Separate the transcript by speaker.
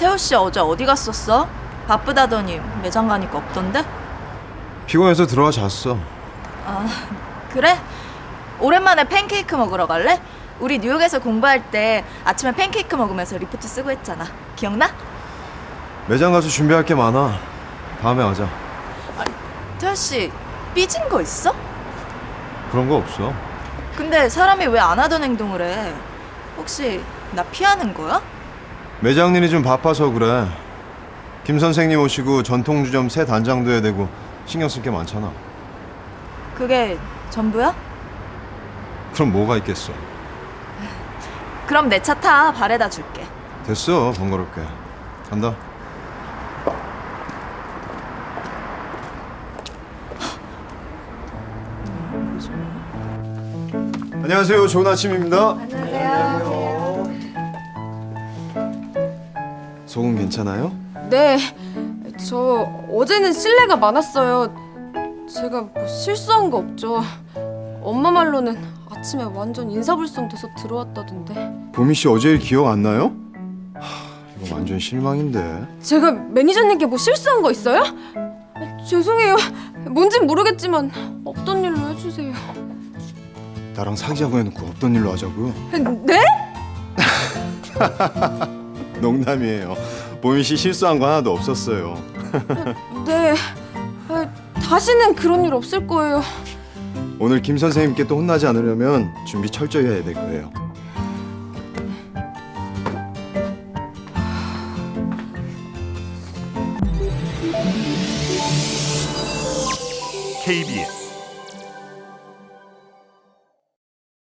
Speaker 1: 태호 씨 어제 어디 갔었어? 바쁘다더니 매장 가니까 없던데?
Speaker 2: 피곤해서 들어와 잤어.
Speaker 1: 아, 그래? 오랜만에 팬케이크 먹으러 갈래? 우리 뉴욕에서 공부할 때 아침에 팬케이크 먹으면서 리포트 쓰고 했잖아. 기억나?
Speaker 2: 매장 가서 준비할 게 많아. 다음에 하자.
Speaker 1: 태호 씨 삐진 거 있어?
Speaker 2: 그런 거 없어.
Speaker 1: 근데 사람이 왜 안 하던 행동을 해? 혹시 나 피하는 거야?
Speaker 2: 매장 일이 좀 바빠서 그래. 김 선생님 오시고 전통주점 새 단장도 해야 되고 신경 쓸 게 많잖아.
Speaker 1: 그게 전부야?
Speaker 2: 그럼 뭐가 있겠어.
Speaker 1: 그럼 내 차 타. 발에다 줄게.
Speaker 2: 됐어, 번거롭게. 간다. 안녕하세요. 좋은 아침입니다. 안녕하세요. 속은 괜찮아요?
Speaker 3: 네, 저 어제는 실례가 많았어요. 제가 뭐 실수한 거 없죠. 엄마 말로는 아침에 완전 인사불성 돼서 들어왔다던데.
Speaker 2: 보미 씨 어제 일 기억 안 나요? 이거 완전 실망인데.
Speaker 3: 제가 매니저님께 뭐 실수한 거 있어요? 죄송해요. 뭔진 모르겠지만 없던 일로 해주세요.
Speaker 2: 나랑 사귀자고 해놓고 없던 일로 하자고요?
Speaker 3: 네?
Speaker 2: 농담이에요. 보미 씨 실수한 거 하나도 없었어요.
Speaker 3: 네. 다시는 그런 일 없을 거예요.
Speaker 2: 오늘 김 선생님께 또 혼나지 않으려면 준비 철저히 해야 될 거예요.
Speaker 4: KBS